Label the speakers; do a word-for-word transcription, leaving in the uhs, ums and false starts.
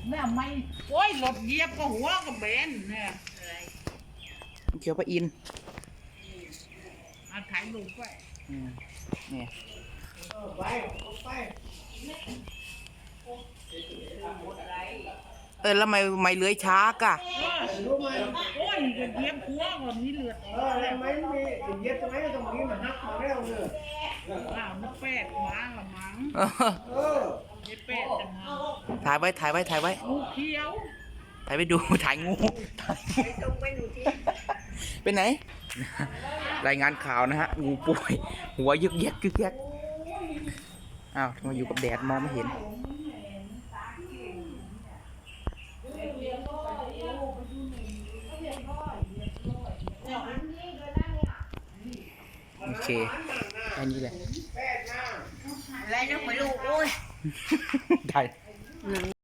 Speaker 1: เนี่ยไม่โอ้ยรถเหยียบก็หัวก็เบนเนี่ย
Speaker 2: เขียวปลาอิน
Speaker 1: เอาถ่ายรูปไว้
Speaker 2: เนี่ยเออแล้วไม่ไม่เลื้อยช้ากะ
Speaker 1: โอ้ยจะเหยียบหัวก่อนนี่เลือดออกแล้ว
Speaker 3: ไม่มีเหยียบทำไมตรงนี้มันนักมาแล้วเนี่ย
Speaker 1: อ้าวมันแปดหมาละมั้ง
Speaker 3: เออ
Speaker 1: ไอ้แปดจะมา
Speaker 2: ถ่ายไว้ถ่ายไว้ถ่ายไว้
Speaker 1: งูเขียว
Speaker 2: ถ่ายไปดูถ่ายงูเป็นไหนรายงานข่าวนะฮะงูป่วยหัวยึกยักยึกยักอ้าวทำไมอยู่กับแดดมองไม่เห็นโอเคแค่นี้แหละ
Speaker 1: อะไรนะไม่รู้โอ้ย
Speaker 2: ได้